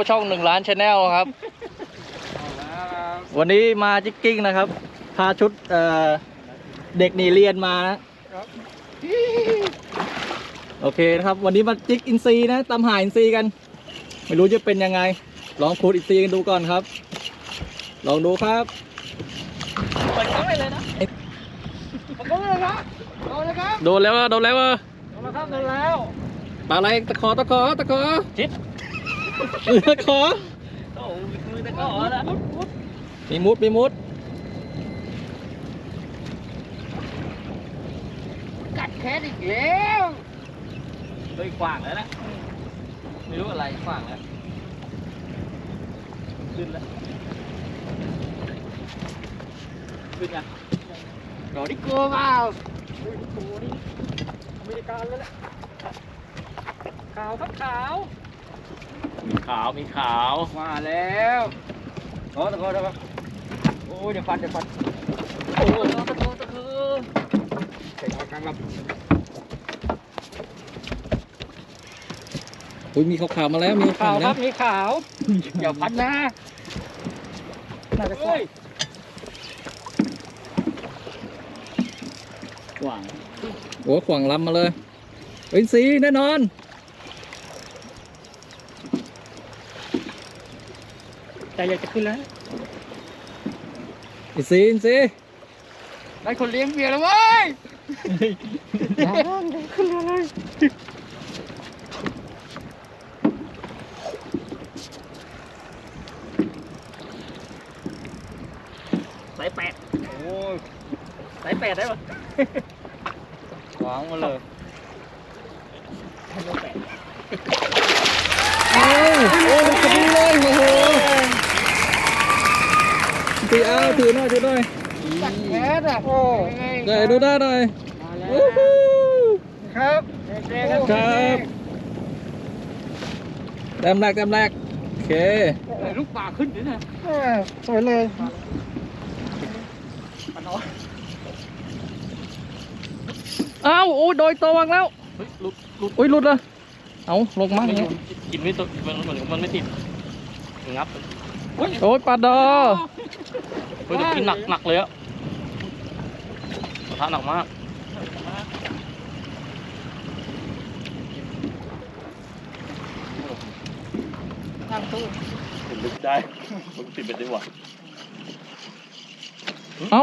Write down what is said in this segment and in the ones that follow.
ช่อง1 ล้านชาแนลครับวันนี้มาจิกกิ้งนะครับพาชุดเด็กหนีเรียนมานะโอเคนะครับวันนี้มาจิกอินซีนะตามหาอินซีกันไม่รู้จะเป็นยังไงลองขุดอินซีกันดูก่อนครับลองดูครับเปิดกล้องเลยนะเปิดกล้องเลยครับโดนแล้วโดนแล้วครับโดนแล้วปลาอะไรตะขอชิดตะขอโอ้มือตะขอนะมีมุดกัดแคสอีกแล้วเลยขวางแล้วนะไม่รู้อะไรขวางแล้วขึ้นแล้วขึ้นยังรอดิโก้เปล่าดิโก้นี่อเมริกันแล้วแหละขาวครับขาวมีขาวมาแล้วตะโกโอ้ยเดี๋ยวฟันโอ้ยตะโกใส่กลางลำอุ้ยมีขาวมาแล้วมีขาวครับมีขาวอย่าฟันนะน่าจะกว้างโอ้ขวางลำมาเลยเป็นสีแน่นอนใจอยากจะขึ้นแล้วอินซีได้คนเลี้ยงเบียร์แล้วเว้ยขึ้นมาเลยสาย8โอ้ยสาย8ได้ปะวางมาเลยโอ้มันกระดิ่งเลยโอ้โหตีเอาถือหน่อยตักแคสอ่ะโอ้ได้ดูได้หน่อยครับแต้มแรกโอเคลูกปลาขึ้นด้วยนะสวยเลยอ้าวโอ้โดยตัววางแล้วหลุดเลยเอาลงมั่งกินไม่ตัวมันไม่ติดงับโอ้ยปลาดอเฮ้ยกินหนักเลยอะกระทะหนักมากนั่งตู้ติดได้มันติดไปได้หว่าเอ้า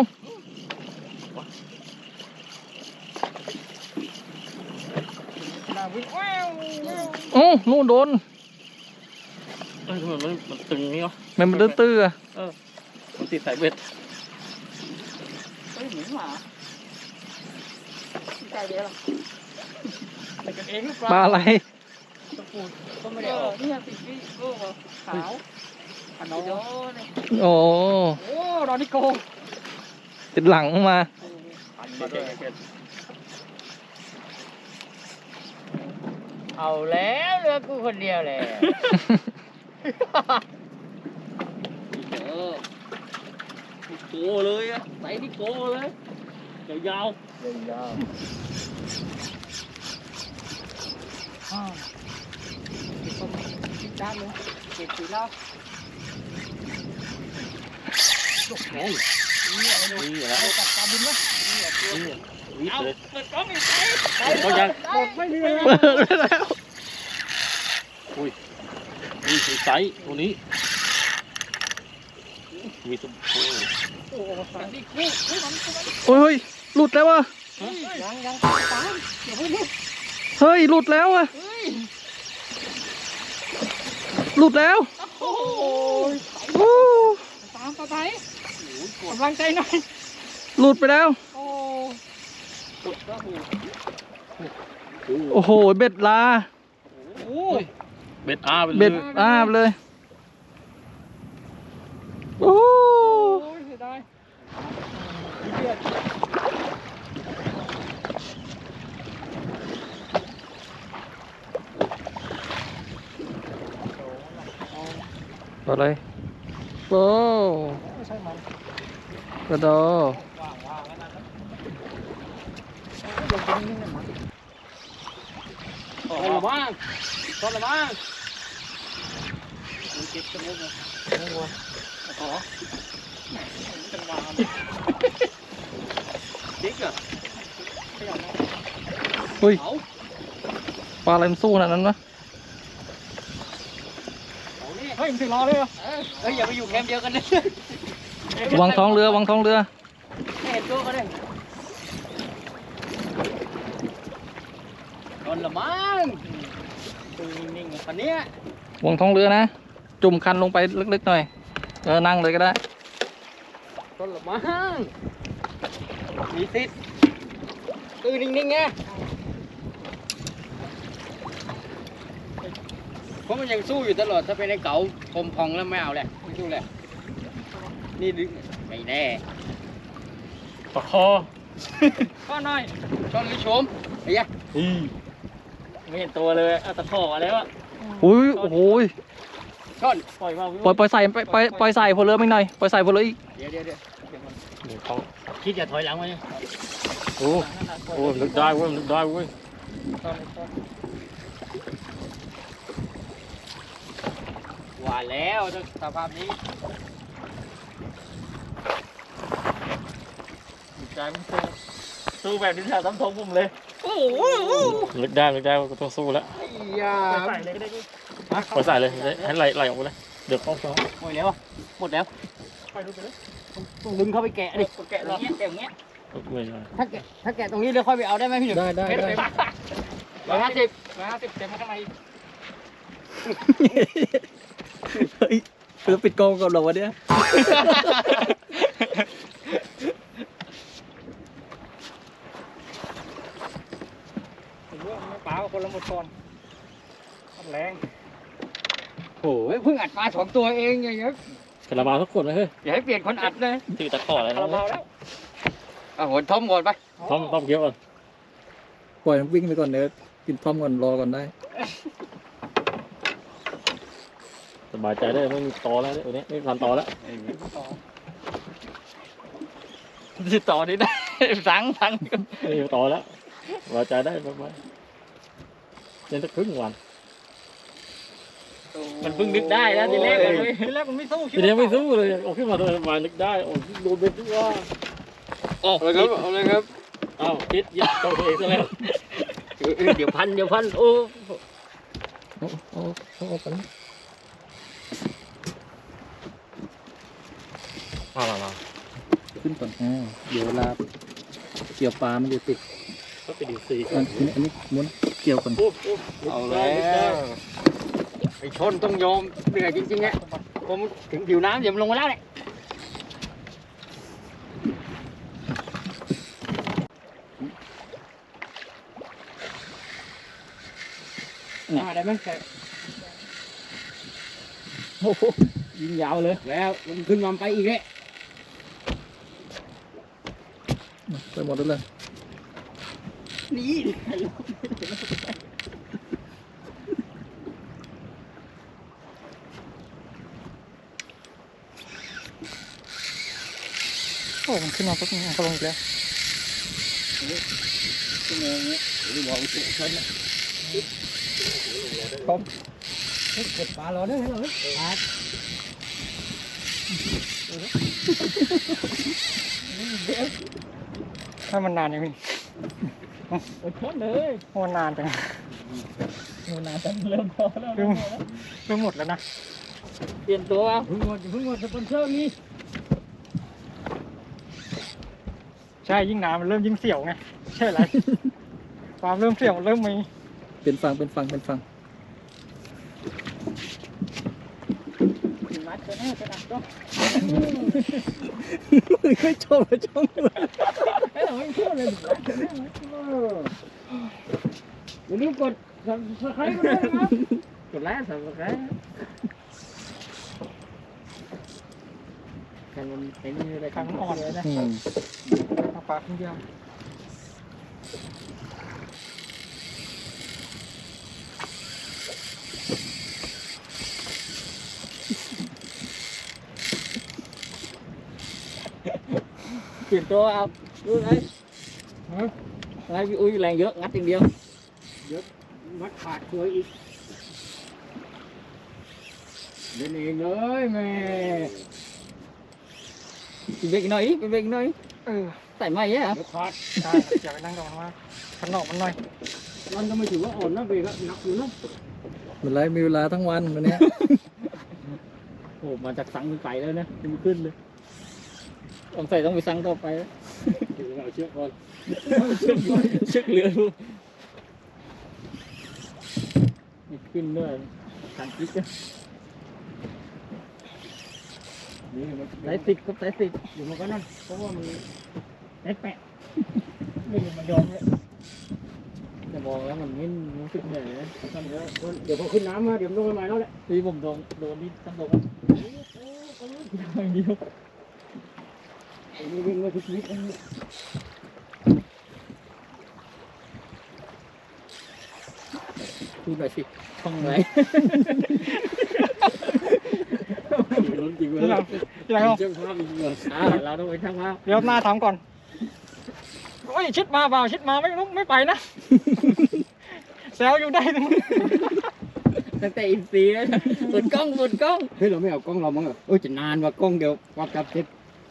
โอ้นู่นโดนมันตึงนี่เหรอมันตื้ออะมันติดสายเบ็ดเฮ้ยเหมือนหมาใจเดียวแต่กันเองหรือเปล่าปลาอะไรตะปูก็ไม่ได้ออกเนี่ยติดนี่โอ้ขาวอันโน้โอ้ดอนิโกติดหลังมาเอาแล้วเหลือกูคนเดียวเลยโกเลยอะใส่ที่โกเลยยาวติดด้านเลยเก็บสีแล้วลูกแข็งนี่แล้วตัดปลาบุญนะเอาเปิดกล้องอีกก็ยังไม่มีแล้วอุ้ยไซส์ตัวนี้มีตัวโอ้ยหลุดแล้ววะยังเฮ้ยหลุดแล้วอะหลุดแล้วโอ้ตามไปกำลังใจหน่อยหลุดไปแล้วโอ้โหเบ็ดลาเบ็ดอาไปเลยโอ้เสียดายอะไรโอ้กระโดดตอนละบ้างเก็บสมุนเลยอ๋อจังหวะจิ๊กอะขยับมาเฮ้ยปลาอะไรมันสู้ขนาดนั้นวะเฮ้ยมึงถึงรอเลยเหรอเฮ้ยอย่าไปอยู่แคมป์เดียวกันนะวางท้องเรือวางท้องเรือเห็นตัวเขาเลยโดนละมั้งตัวนิ่งๆคันนี้วางท้องเรือนะ จุ่มคันลงไปลึกๆหน่อยนั่งเลยก็ได้โดนละมั้งมีสิทธิ์ตัวนิ่งๆไงเพราะมันยังสู้อยู่ตลอดถ้าเป็นไอ้เก๋าคมพองแล้วไม่เอาแหละไม่สู้แหละนี่ดึงไม่แน่ปะคอข้อหน่อยช่อนหรือชมไอ้ยะไม่เห็นตัวเลยเอาตะขอแล้วอะอุ้ยโอ้โหช่อนปล่อยมาปล่อยใส่ปล่อยใส่พลเรือไม่หน่อยปล่อยใส่พลเรืออีกเดี๋ยวเขาคิดจะถอยหลังมาเนี่ยโอ้ลึกได้เว้ยลึกได้เว้ยว่าแล้วสภาพนี้ใจมันสู้แบบนี้แถวซ้ำทงผมเลยโอ้โหลึกได้ก็ต้องสู้แล้วอย่าใส่เลยก็ได้ดิปล่อยใส่เลยให้ไหลออกไปเลยเดี๋ยวต้องหมดแล้วอ่ะหมดแล้วไปดูไปเลยต้องดึงเข้าไปแกะดิแกะตรงนี้แกะอย่างเงี้ยไม่ได้ถ้าแกะตรงนี้เดี๋ยวค่อยไปเอาได้ไหมพี่หนุ่มได้ 150เต็มข้างในเฮ้ยเราปิดกล้องก่อนเหรอวะเนี่ยผมว่าไม่เปล่าคนละหมดก่อนแรงโอ้ยเพิ่งอัดมา2 ตัวเองอย่างเงี้ยคาราบาวทุกคนเลยเฮ้ยอย่าให้เปลี่ยนคนอัดเลยถือตะขออะไรคาราบาวนะแล้วเอาหัวทอมก่อนไปต้มเกี้ยวก่อนปล่อยมันวิ่งไปก่อนเดี๋ยวกินพร้อมก่อนรอก่อนได้สบายใจได้ไม่มีตอแล้วตัวนี้ไม่พันตอแล้วที่ต่อนี้ได้ สังไม่มีตอแล้วสบายใจได้ประมาณเล่นสักครึ่งวันมันเพิ่งนึกได้แล้วทีแรกมันไม่สู้ทีนี้ไม่สู้เลยโอ้ขึ้นมาตัวมานึกได้โอ้โดนเบ็ดว่าเอาเลยครับเอาเลยครับอ้าวคิดยึดตัวเองซะแล้วเดี๋ยวพันโอ้เอาไปมาขึ้นก่อนเดี๋ยวเวลาเกี่ยวปลามันจะติดก็ไปดูซีอันนี้ม้วนเกี่ยวก่อนเอาแล้วไอ้ชนต้องยอมเหนื่อยจริงๆอ่ะผมถึงผิวน้ำเดี๋ยวมันลงมาแล้วเนี่ยได้ไหมโอ้โหยิงยาวเลยแล้วมันขึ้นมาไปอีกเลยไปหมดแล้วเลยนี่โอ้มันขึ้นมาปุ๊บมันก็ลงอีกแล้วชั่วโมงเนี้ยหรือว่าอุจจาระคอมเก็บปลารอได้ไหมเหรอครับถ้ามันนานยังไงอดทนเลยมันนานจังเริ่มพอแล้วเริ่มหมดแล้วนะเปลี่ยนตัวเพิ่งหมดสปอนเซอร์มีใช่ยิ่งนานมันเริ่มยิ่งเสี่ยวไงใช่ไรความเริ่มเสี่ยวเริ่มมีเป็นฟังมัดจะแน่จะดักก็ไม่ชอบเลยไม่ต้องไม่พูดเลยอย่าลืมกดsubscribe กันด้วยนะครับกดไลค์ subscribe กันมันเป็นอะไรครั้งอ่อนเลยนะเอาปากคนเดียวเปลี่ยนตัวเอาดูไงอะไรพี่อุ้ยแรงเยอะงัดอย่างเดียวเยอะงัดขาดตัวอีกเล่นเองเลยแม่อีกเบรกหน่อยอีกเบรกหน่อยใส่ไม้อะเดี๋ยวขาดใช่อย่าไปนั่งกับมันมากขันนอกมันหน่อยมันก็ไม่ถือว่าอ่อนนะเบรกอะหนักอยู่นะเหมือนไรมีเวลาทั้งวันวันนี้โอ้มาจากสังไก่แล้วนะยังไม่ขึ้นเลยต้องใส่ต้องไปสั่งต่อไปเดี๋ยวเอาเชือกก่อนเชือกเรือดูไม่ขึ้นด้วยการคิดนะนี่มันสายสิบกับสายสิบอยู่มันก็นั่นเพราะว่ามันแอ๊กแปะไม่มันยอมเลยจะมองแล้วมันไม่รู้สึกเหนื่อยนะทำเยอะเดี๋ยวพอขึ้นน้ำมาเดี๋ยวมันลงไปใหม่แล้วแหละที่ผมโดนนี่ทั้งตัวอย่างเดียวมีวิ่งมาทุกชีวิตพูดหน่อยสิท่องไหนลุ้นจริงเลยที่ไหนเอาเชื่อมภาพจริงเลยเราต้องไปช่างภาพเดี๋ยวหน้าถามก่อนโอ้ยชิดมาเปล่าชิดมาไม่ลุกไม่ไปนะ แซวอยู่ได้ทั้งตั้งแต่อินซีแล้วบนกล้องเฮ้ยเราไม่เอากล้องเรามั้งเหรอโอ้ยจะนานว่ากล้องเดียววัดจับเสร็จ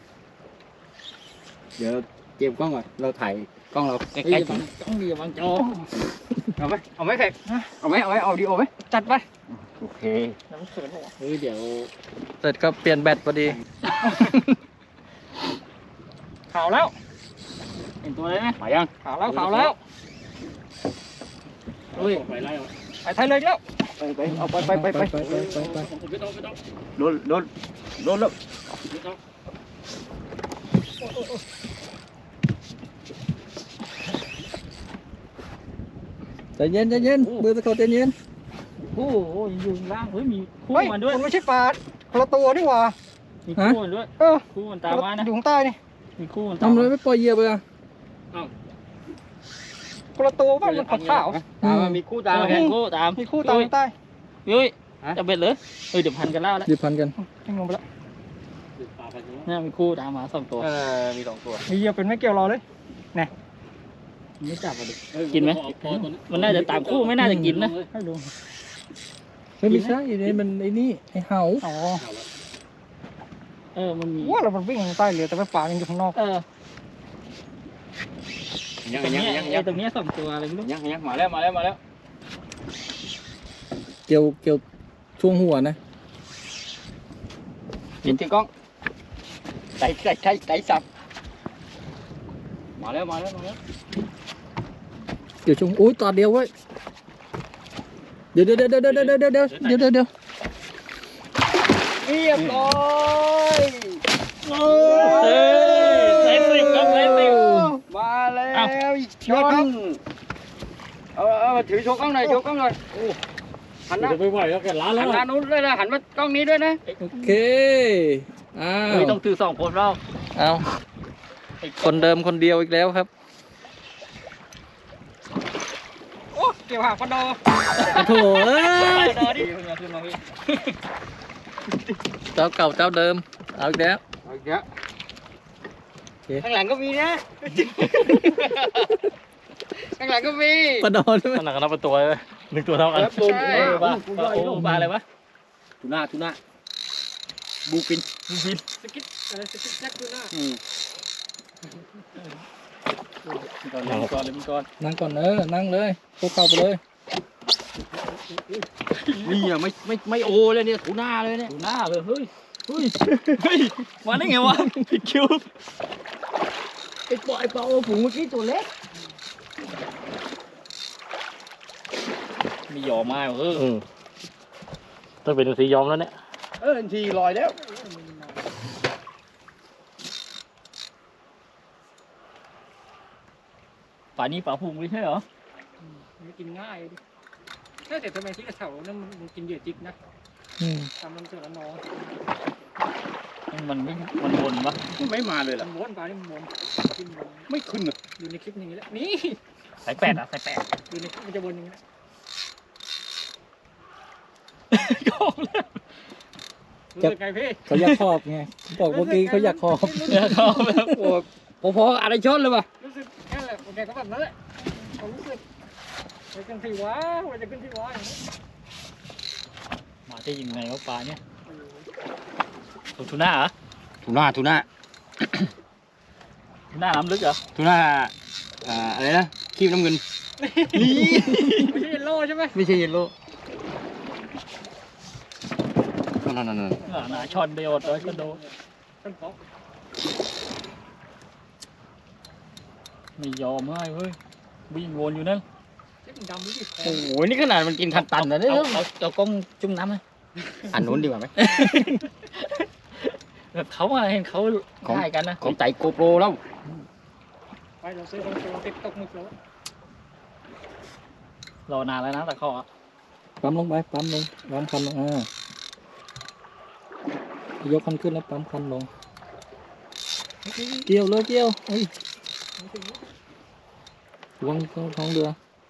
เดี๋ยวเก็บกล้องก่อนเราถ่ายกล้องเราใกล้ๆกล้องดีบางจอเอาไหมแขกเอาดีโอไหมจัดไปโอเคน้ำเขินหัวเฮ้ยเดี๋ยวเสร็จก็เปลี่ยนแบตพอดี ขาวแล้วเห็นตัวเลยไหมไปยังขาวแล้วขาวแล้วเฮ้ยไปไล่เอาไปไทยเลยแล้วไปเอาไปไม่ต้องโดนแล้วไม่ต้องใจเย็นใจเย็นเบอร์ตะโกนใจเย็นโอ้โหอยู่ล่างเฮ้ยมีคู่เฮ้ยมันด้วยมันไม่ใช่ปลาคนละตัวนี่หว่ามีคู่มันด้วยเออคู่มันตามมานะอยู่ข้างใต้นี่มีคู่มันตามทำเลยไม่ปล่อยเหยียบเลยอ่ะอ้าวคนละตัวบ้านมันขาวตามมีคู่ตามตามคู่ตามๆมีคู่ตามข้างใต้ยุ้ยจะเบ็ดเลยเฮ้ยเดี๋ยวพันกันแล้วแล้วหยิบพันกันทิ้งลงไปแล้วนี่มีคู่ตามมา2 ตัวมี2 ตัวมีเหยียบเป็นไม่เกี่ยวรอเลยไม่จับอ่ะดิกินไหมมันน่าจะตามคู่ไม่น่าจะกินนะให้ดูไม่ใช่นี่มันไอ้นี่ไอ้เห่าอ๋อมันมีว่าเรามันวิ่งใต้เรือแต่ว่าปลายังอยู่ข้างนอกยังตรงนี้ตรงนี้2 ตัวอะไรไม่รู้ยังมาแล้วเกี่ยวช่วงหัวนะกินที่กล้องใส่สับมาแล้วเกี่ยวช่วงอุ้ยตัวเดียวเว้ยเดี๋ยวเรียบร้อยใส่สิบครับใส่สิบมาแล้วยอดครับเอาถือโชว์กล้องหน่อยหันหน้าจะไม่ไหวแล้วแกล้าแล้วหันหน้านู้นด้วยนะหันมากล้องนี้ด้วยนะโอเคอ้าวไม่ต้องถือ2 คนเราเอาคนเดิมคนเดียวอีกแล้วครับโอ้เกี่ยวหางปลาดอโถเอ้ยดอดิขึ้นมาพี่เจ้าเก่าเจ้าเดิมเอาอีกแล้วเอาเยอะข้างหลังก็มีนะข้างหลังก็มีปลาดอใช่ไหมขนาดกันนับเป็นตัวเลย1 ตัวเท่ากันปลาอะไรวะทูน่าบูฟินสกิดอะไรสกิดแจ็คดูหน้าก่อนเลยก่อนนั่งก่อนนั่งเลยพวกเข้าไปเลยนี่อ่ะไม่โอเลยเนี่ยทูน่าเลยเนี่ยดูหน้าเลยเฮ้ยมาได้ไงวะผิดคิวไอ้ปลาโอฝูงเมื่อกี้ตัวเล็กมีหยอมาต้องเป็นสียอมแล้วเนี่ยทีลอยแล้วป่านี้ป่าพุงไม่ใช่เหรอมันกินง่ายดิแต่ทำไมที่กระเถานั่นมันกินเหยื่อจิกนะตามมันเจอแล้วน้องมันวนปะไม่มาเลยล่ะมันม้วนปลาที่มันม้วนไม่ขึ้นอ่ะอยู่ในคลิปนี้แหละนี่สาย 8สาย 8 อยู่ในคลิปมันจะวนอย่างนี้โกงแล้วรู้สึกไงพี่เขาอยากขอบไงบอกเมื่อกี้เขาอยากขอบเขาแบบโอ้พออะไรชนเลยป่ะรู้สึกแค่แหละโอเคก็แบบนั้นแหละเขารู้สึกไปกันที่ว้าไปจะขึ้นที่ว้าอย่างนี้มาได้ยังไงวะปลาเนี่ยเทูน่าเหรอทูน่าทูน่าน้ำลึกเหรอทูน่าอะไรนะครีมน้ำเงินนี่ไม่ใช่เยลโล่ใช่ไหมไม่ใช่เยลโล่นั่นหนาชอนเดียวเลยก็โดนต้นเปาะไม่ยอมให้เฮ้ยวิ่งวนอยู่นั่นเจ๊มันดำนี่ดิโอ้โหนี่ขนาดมันกินทันตันนะเนี่ยเอากล้องจุ่มน้ำเลยอันนู้นดีกว่าไหมแบบเขาอะเห็นเขาของถ่ายกันนะของใจโกโปรแล้วไปเราซื้อของตัวติดตกหมึกแล้วรอนานแล้วนะแต่เขาอะปั๊มลงไปปั๊มลงปั๊มคันลงยกคันขึ้นแล้วปั๊มคันลงเกี่ยวเลยเกี่ยวเฮ้ยระวังท้องเรือ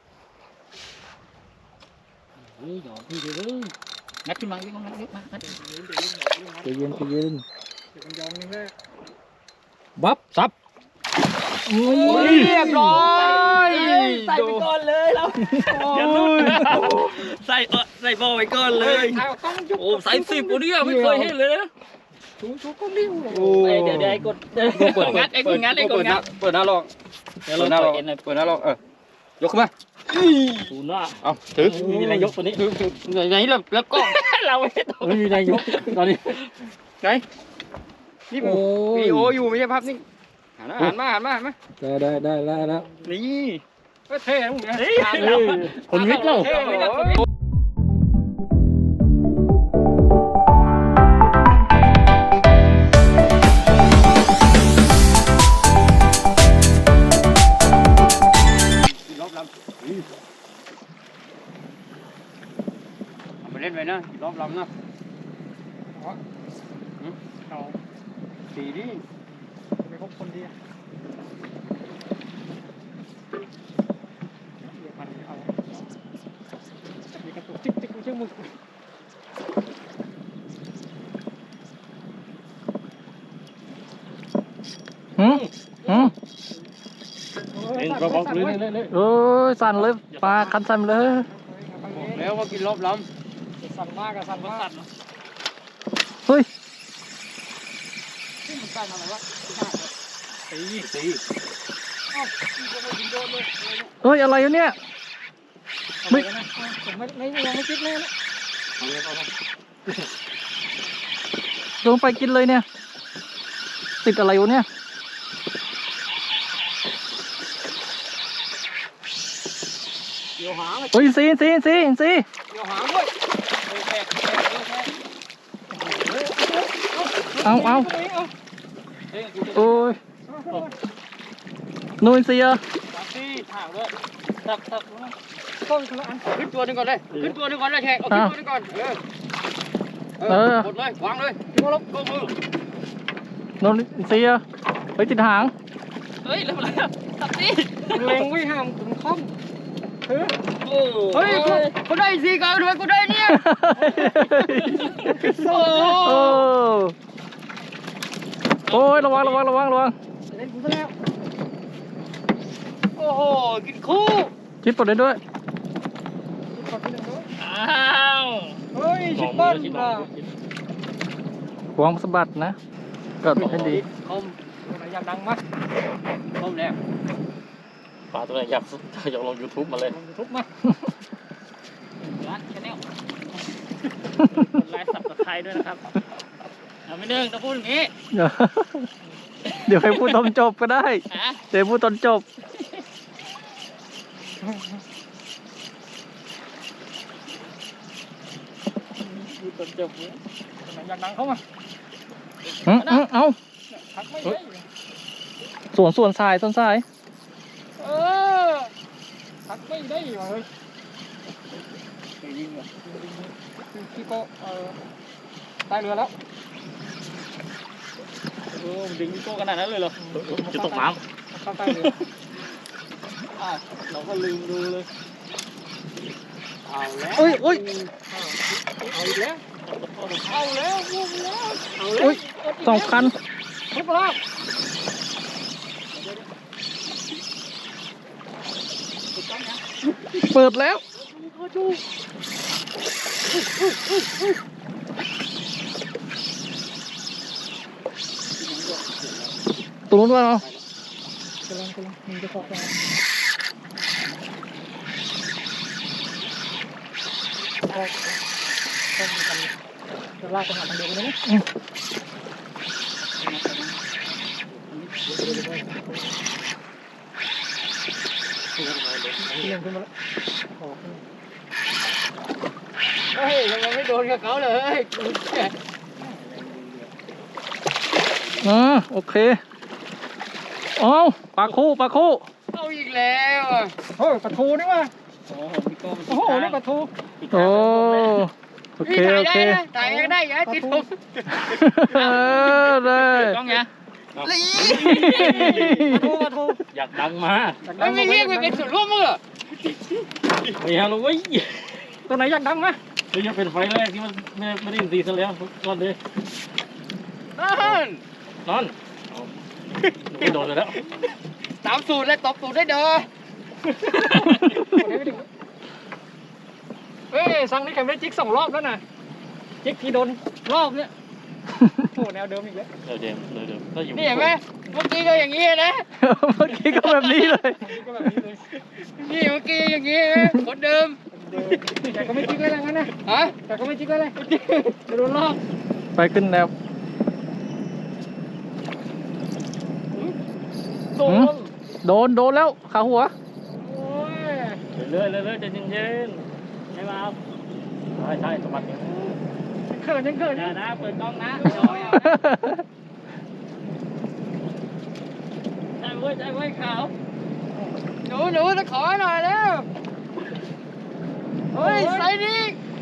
เฮ้ยหยอดพี่เด้องัดขึ้นมางัดงัดเดี๋ยวใจเย็นใจเย็นมันยองนึงแม่บับซับโอ้ยเรียบร้อยใส่ไปก่อนเลยเราอย่าลุ้นใส่บอลไปก่อนเลยเอาต้องยุบโอ้ใส่10กูเนี่ยไม่เคยเห็นเลยนะชูก็นิ้วโอ้เดี๋ยวไอ้กดงัดไอ้กดงัดไอ้กดงัดเปิดหน้าลองเดี๋ยวเปิเราดหน้าลต่ออง ยเอ็นเลยเปิดหน้าลองยกขึ้นมาศูนย์ละเอาถือมีอะไรยกตัวนี้ถือไหนแล้วก็เราไม่ต้องไม่มีนายกตอนนี้ไหนนี่ผมวิดีโออยู่ไม่ใช่ภาพนิ่งหันมาได้แล้วนี่ก็เท่นะมึงนะคนวิทย์เราเท่เลยรอบลำเอาไปเล่นไปนะรอบลำนะเอาสีดิไปพบคนดีมันเอามีกระตุกจิ๊กไม่ใช่มึกเล่นก็บอกเลยเลยโอ้ยสั่นเลยปลาคันสั่นเลยแล้วก็กินรอบลสั่นมากกับสั่นมากเฮ้ยที่มันสั่นอะไรวะำสีอ้าวก็ไม่ยิงโดนเลยเฮ้ยอะไรเนี่ยไม่นะผมไม่ยังไม่คิดเลยนะลงไปกินเลยเนี่ยติดอะไรวะเนี่ยเดี๋ยวหางเฮ้ยซีเดี๋ยวหางด้วยแตกเอาโอ้ยนูนซีอะที่ถางด้วยตักต้นคนละอันขึ้นตัวหนึงก่อนเลยขึ้นตัวหนึงก่อนเลยแขกเอาขึ้นตัวหนึงก่อนกดเลยวางเลยลบมือนูนซีอะไปติดหางเฮ้ยแล้วอะไรตัดสิเล็งไว้ห้ามถึงคอมเฮ้ยกูได้สีก่อนด้วยกูได้เนี่ยโอ้โอ้ยระวังเล่นกูซะแล้วโอ้โหกินคู่คิดปลดได้ด้วยกดที่หนึ่งด้วยอ้าวเฮ้ยชิปเปิ้ลอ่ะหวงสะบัดนะก็ให้ดีคมตัวไหนอยากดังมั้ยคมแล้วปลาตัวไหนอยากลง YouTube มาเลยลงยูทูบมาร้านชาแนลกดไลค์สับสไครด้วยนะครับเอาไม่เนื่องต้องพูดอย่างนี้เดี๋ยวให้พูดตอนจบก็ได้ฮะเดี๋ยวพูดตอนจบดูตนจบเลยตัวไหนอยากดังเข้ามาเอาทักไม่ได้ส่วนทรายเออทักไม่ได้ว่ะเฮ้ยยิงเหรอพี่โก้ใต้เรือแล้วดึงโก้ขนาดนั้นเลยเหรอจะตกน้เข้าใต้เรือเราก็ลืมดูเลยเอาแล้วอุ้ยเอาอีกแล้วเอาแล้วพุ่งแล้วเอาแล้วอุ้ยสองคันทุบแล้วเปิดแล้วจูตรงนู้นว่าเนาะกำลังมันจะขอบจะลากไปหาทางเดินไปได้ไหมเลี้ยงขึ้นมาแล้วเฮ้ยทำไมไม่โดนกับเขาเลยโอเคเอาปลาคู่เอาอีกแล้วอ่ะโอ้ยปลาทูนี่ว่ะโอ้โหพี่โก้โอ้โหนี่ปลาทูโอ้โอเคพี่โอถ่ายเคได้นะถ่ายยังได้อย่าให้ติดผมได้ต้องไงปลาทูอยากดังมาไม่เรียกไปเป็นส่วนร่วมมั้งเหรอไม่เอาเลยเว้ยตัวไหนอยากดังไหมนี่จะเป็นไฟแรกที่มันไม่ได้ยินตีซะแล้วก่อนเลยนั่นนอนไม่โดนเลยแล้วตามสูตรเลยตบสูตรได้เด้อเฮ้ยสั่งนี่แข่งได้จิ๊ก2 รอบแล้วนะจิ๊กที่โดนรอบเนี่ยโอ้แนวเดิมอีกแล้วเดิมก็อยู่นี่เห็นไหมเมื่อกี้ก็อย่างนี้นะเมื่อกี้ก็แบบนี้เลยก็แบบนี้เลยนี่เมื่อกี้อย่างนี้คนเดิมแต่ก็ไม่จิ๊กเลยนะงั้นนะฮะแต่ก็ไม่จิ๊กเลยจะโดนรอบไปขึ้นแนวโดนโดนแล้วขาหัวโอ้ยเรื่อยใจเย็นๆให้มาใช่สมัครอย่างเขินยังเขินอย่านะเปิดกล้องนะใจเว้ยขาวหนูจะขอหน่อยแล้วเฮ้ยใส่ดิ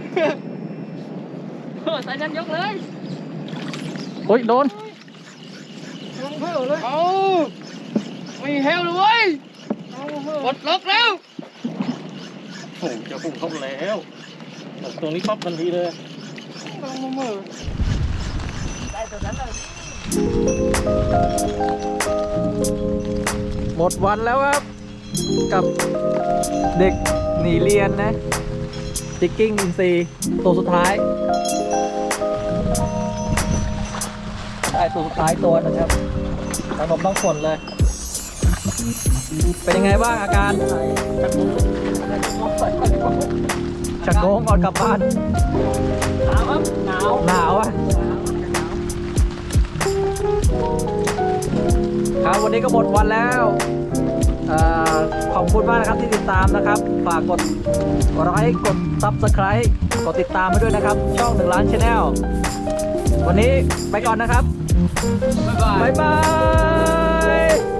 ใส่ฉันยกเลยโอ้ยโดนลงเพิ่มเลยเอาไม่เฮลเลยเว้ยเอาเพิ่มปลดล็อกแล้วโอ้จะพุ่งเข้าแล้วตรงนี้ปั๊บทันทีเลยลงมือได้ตัวนั้นเลยหมดวันแล้วครับ กับเด็กหนีเรียนนะจิกกิ้งอินซีตัวสุดท้ายได้ตัวสุดท้ายตัวนะครับขนมต้องฝนเลย เป็นยังไงบ้างอาการชักโงงก่อนกลับบ้านหนาวครับหนาวหนาวอ่ะครับวันนี้ก็หมดวันแล้วขอบคุณมากนะครับที่ติดตามนะครับ ฝากกดไลค์กด Subscribe กดติดตามมาด้วยนะครับ ช่อง1 ล้าน Channel วันนี้ไปก่อนนะครับบ๊ายบายบ๊ายบาย